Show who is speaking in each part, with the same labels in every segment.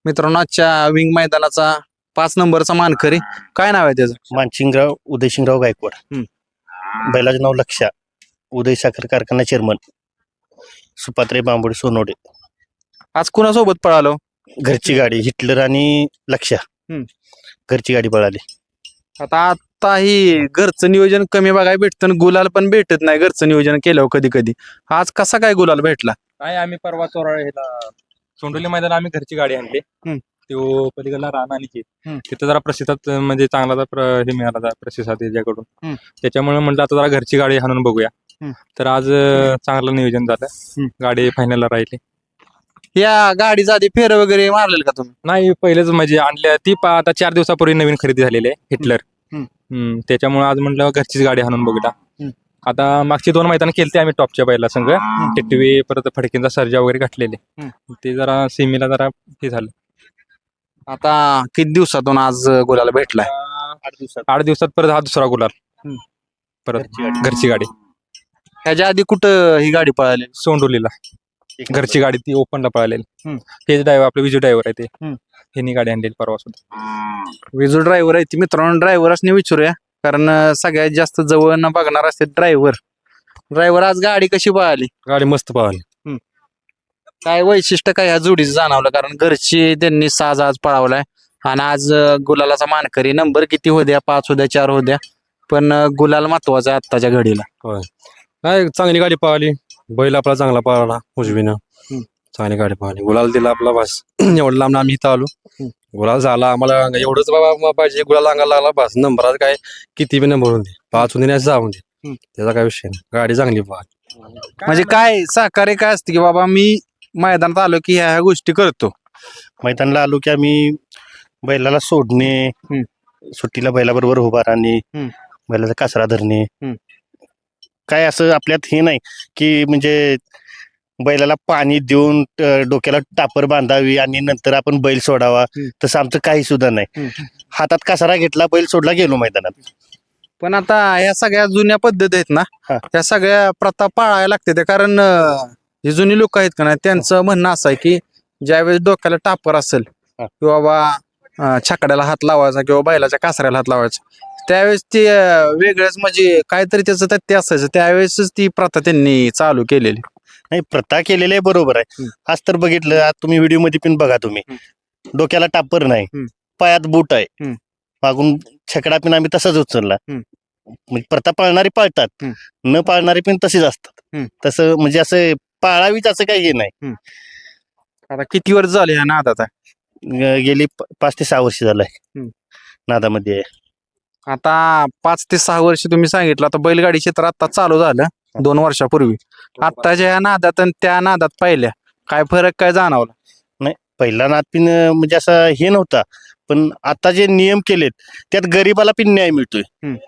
Speaker 1: मित्रांनो आजच्या विंग मैदानाचा 5 नंबरचा मानकरी काय नाव आहे त्याचं?
Speaker 2: मानसिंगराव उदयसिंगराव गायकवाड. बैलाचं नाव लक्षा. उदय साखर कारखाना चेअरमन. सुपात्रे बांबोडी सोनवडे.
Speaker 1: आज कुणासोबत पळालो?
Speaker 2: घरची गाडी हिटलर आणि लक्षा. घरची गाडी पळाली.
Speaker 1: आता ही घरचं नियोजन कमी बघायला भेटतं आणि गुलाल पण भेटत नाही घरचं नियोजन केल्यावर कधी कधी. आज कसा काय गुलाल भेटला?
Speaker 3: नाही आम्ही परवा चोराळे सोंडोली मैदान आम्ही घरची गाडी आणली. तो पलीकडला रान आणि तिथं जरा प्रतिसाद म्हणजे चांगला हे मिळाला प्रतिसाद त्याच्याकडून. त्याच्यामुळे म्हटलं आता जरा घरची गाडी हाणून बघूया. तर आज चांगलं नियोजन झालं. गाडी फायनलला राहिली.
Speaker 1: या गाडीचा आधी फेर वगैरे मारलेल का तुम्ही?
Speaker 3: नाही पहिलेच म्हणजे आणल्या ती आता 4 दिवसापूर्वी नवीन खरेदी झालेली आहे हिटलर. त्याच्यामुळे आज म्हटलं घरचीच गाडी हाणून बघूया. आता मागची 2 मैदान केलते आम्ही टॉपच्या बैला संघ. टिटवी परत फडकेंचा सर्जा वगैरे घातलेले. ते जरा सेमीला जरा हे झालं.
Speaker 1: आता किती दिवसातून आज गुलाल भेटलाय?
Speaker 3: 8 दिवसात परत हा दुसरा गुलाल. परत घरची गाडी.
Speaker 1: ह्याच्या आधी कुठं ही गाडी पळाली?
Speaker 3: सोंडोलीला घरची गाडी ती ओपनला पळालेली. हेच ड्रायव्हर आपले विजू ड्रायव्हर आहे ते. ह्यांनी गाडी आणलेली परवा सुद्धा.
Speaker 1: विजू ड्रायव्हर आहे ती. मित्रांनो ड्रायव्हरच विचारूया कारण सगळ्यात जास्त जवळ न बघणार असते ड्रायव्हर आज गाडी कशी पळाली?
Speaker 3: गाडी मस्त पळाली.
Speaker 1: काय वैशिष्ट्य काय ह्या जोडीचं जाणवलं? कारण घरची त्यांनी साज आज पळावलाय आणि आज गुलालाचा मानकरी. नंबर किती होत्या? 5 होत्या 4 होत्या पण गुलाल महत्वाचा आहे आत्ताच्या घडीला.
Speaker 4: होय काय चांगली गाडी पळाली. बैल आपला चांगला पळाला उजवीनं. चांगली गाडी पळाली. गुलाल दिला आपला बस. एवढं लांब आम्ही इथं आलो. गुलाल झाला आम्हाला एवढंच बाबा पाहिजे. गुलाल अंगाला लागला बस. नंबरात काय किती बी नंबर होऊन दे. 5 होऊन दे 6 होऊन दे. त्याचा काय विषय नाही. गाडी चांगली पळाली.
Speaker 1: म्हणजे काय सहकार्य काय असते की बाबा मी मैदानात आलो की ह्या गोष्टी करतो?
Speaker 2: मैदानाला आलो की आम्ही बैलाला सोडणे, सुट्टीला बैलाबरोबर उभा राहणे, बैलाचा कासरा धरणे. काय असं आपल्यात हे नाही की म्हणजे बैलाला पाणी देऊन डोक्याला टापर बांधावी आणि नंतर आपण बैल सोडावा. तसं आमचं काही सुद्धा नाही. हातात कासरा घेतला बैल सोडला गेलो मैदानात.
Speaker 1: पण आता ह्या सगळ्या जुन्या पद्धती आहेत ना, त्या सगळ्या प्रथा पाळायला लागते ते. कारण जे जुनी लोक आहेत का नाही त्यांचं म्हणणं असं आहे की ज्यावेळेस डोक्याला टापर असेल किंवा बा छकड्याला हात लावायचा किंवा बैलाच्या कासऱ्याला हात लावायचा त्यावेळेस ते वेगळंच म्हणजे काहीतरी त्याचं तथ्य असायचं. त्यावेळेसच ती प्रथा त्यांनी चालू केलेली.
Speaker 2: नाही प्रथा केलेली आहे बरोबर आहे. आज तर बघितलं आज तुम्ही व्हिडिओ मध्ये पण बघा तुम्ही. डोक्याला टापर नाही, पायात बूट आहे, मागून छकडा पण आम्ही तसाच उचलला. म्हणजे प्रथा पाळणारी पाळतात, न पाळणारी पण तशीच असतात. तसं म्हणजे असं पाळावीच असं काही हे नाही.
Speaker 1: आता किती वर्ष झाले ह्या नादात आहे?
Speaker 2: गेली 5 ते 6 वर्ष झालंय नादामध्ये आहे.
Speaker 1: आता 5 ते 6 वर्ष तुम्ही सांगितलं. आता बैलगाडी क्षेत्र आता चालू झालं 2 वर्षापूर्वी. आत्ताच्या ह्या नादात आणि त्या नादात पाहिल्या काय फरक काय जाणवला?
Speaker 2: नाही पहिला नाद पिन म्हणजे असं हे नव्हता. पण आता जे नियम केलेत त्यात गरीबाला पण न्याय मिळतोय.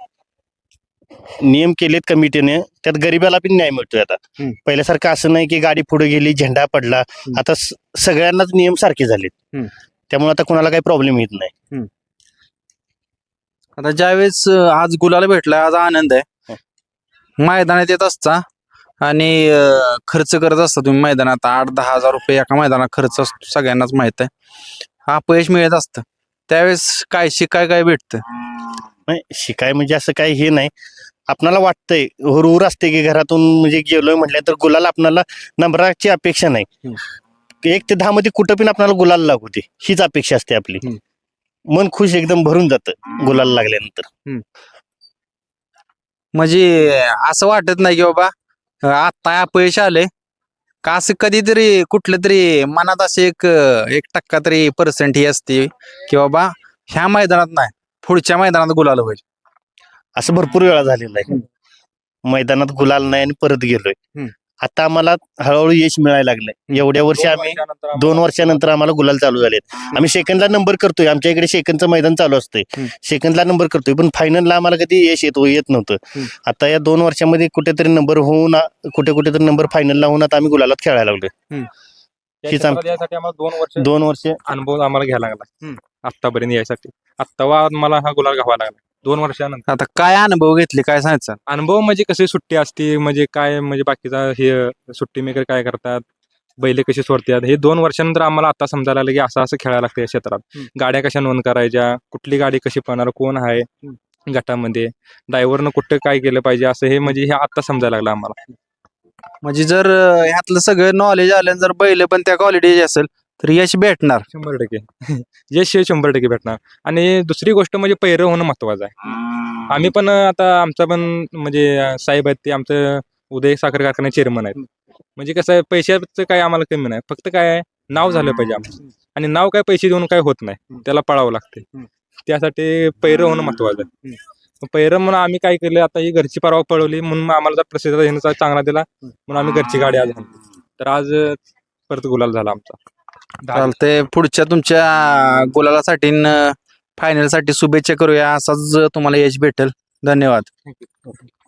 Speaker 2: नियम केलेत कमिटीने त्यात गरीबाला पण न्याय मिळतोय. आता पहिल्यासारखं असं नाही की गाडी पुढे गेली झेंडा पडला. आता सगळ्यांनाच नियम सारखे झालेत. त्यामुळे आता कोणाला काही प्रॉब्लेम येत नाही.
Speaker 1: आता ज्यावेळेस आज गुलाल भेटला आज आनंद आहे. मैदानात येत असता आणि खर्च करत असता तुम्ही मैदानात 8-10 हजार रुपये एका मैदानात खर्च असतो सगळ्यांनाच माहित आहे. अपयश मिळत असतं त्यावेळेस काय शिकाय काय भेटतं?
Speaker 2: नाही शिकाय म्हणजे असं काही हे नाही. आपणाला वाटतंय हुरहुर असते की घरातून म्हणजे गेलोय म्हटलं तर गुलाल आपणाला नंबराची अपेक्षा नाही. 1 ते 10 मध्ये कुठं पण आपल्याला गुलाल लागू दे हीच अपेक्षा असते आपली. मन खुश एकदम भरून जातं गुलाल लागल्यानंतर.
Speaker 1: म्हणजे असं वाटत नाही की बाबा आता अपयश आले का असं कधीतरी कुठलं तरी मनात असे 1% तरी पर्सेंट ही असते की बाबा ह्या मैदानात नाही पुढच्या मैदानात गुलाल होईल?
Speaker 2: असं भरपूर वेळा झालेलं आहे. मैदानात गुलाल नाही आणि परत गेलोय. आता आम्हाला हळूहळू यश मिळायला लागलंय. एवढ्या वर्षी आम्ही 2 वर्षानंतर आम्हाला गुलाल चालू झालेत. आम्ही सेकंदला नंबर करतोय. आमच्या इकडे सेकंदचं मैदान चालू असतंय. सेकंदला नंबर करतोय पण फायनलला आम्हाला कधी यश येत नव्हतं. आता या 2 वर्षामध्ये कुठेतरी नंबर होऊन कुठेतरी नंबर फायनलला होऊन आता आम्ही गुलालात खेळायला लागलोय. हीच
Speaker 3: यासाठी आम्हाला
Speaker 2: 2 वर्ष
Speaker 3: अनुभव आम्हाला घ्यायला लागला आतापर्यंत यायसाठी. आत्ता मला हा गुलाल घ्यावा लागला 2 वर्षानंतर.
Speaker 1: आता काय अनुभव घेतले काय सांगायचं?
Speaker 3: अनुभव म्हणजे कशी सुट्टी असते म्हणजे काय म्हणजे बाकीचा हे सुट्टी मेकर काय करतात बैल कशी सोडतात हे 2 वर्षानंतर आम्हाला आता समजायला लागलं की असं असं खेळायला लागतं या क्षेत्रात. गाड्या कशा नोंद करायच्या, कुठली गाडी कशी पळणार, कोण आहे गटामध्ये, ड्रायव्हरनं कुठं काय केलं पाहिजे, असं हे म्हणजे हे आता समजायला लागलं आम्हाला.
Speaker 1: म्हणजे जर ह्यातलं सगळं नॉलेज आलं जर बैल पण त्या क्वालिटीचे असेल तर यश भेटणार.
Speaker 3: 100% यश हे 100% भेटणार. आणि दुसरी गोष्ट म्हणजे पैरं होणं महत्वाचं आहे. आम्ही पण आता आमचा पण म्हणजे साहेब आहेत ते आमचं उदय साखर कारखाना चेअरमन आहेत. म्हणजे कसं आहे पैशाचं काय आम्हाला कमी नाही, फक्त काय आहे नाव झालं पाहिजे आमचं. आणि नाव काय पैसे देऊन काय होत नाही, त्याला पळावं लागते. त्यासाठी पैरं होणं महत्वाचं आहे. पैरं म्हणून आम्ही काय केलं, आता ही घरची परवा पळवली म्हणून आम्हाला जर प्रतिसाद येण्याचा चांगला दिला म्हणून आम्ही घरची गाडी आज आणली. तर आज परत गुलाल झाला आमचा.
Speaker 1: चालतंय, पुढच्या तुमच्या गुलालासाठी फायनल साठी शुभेच्छा करूया. असाच तुम्हाला यश भेटेल. धन्यवाद.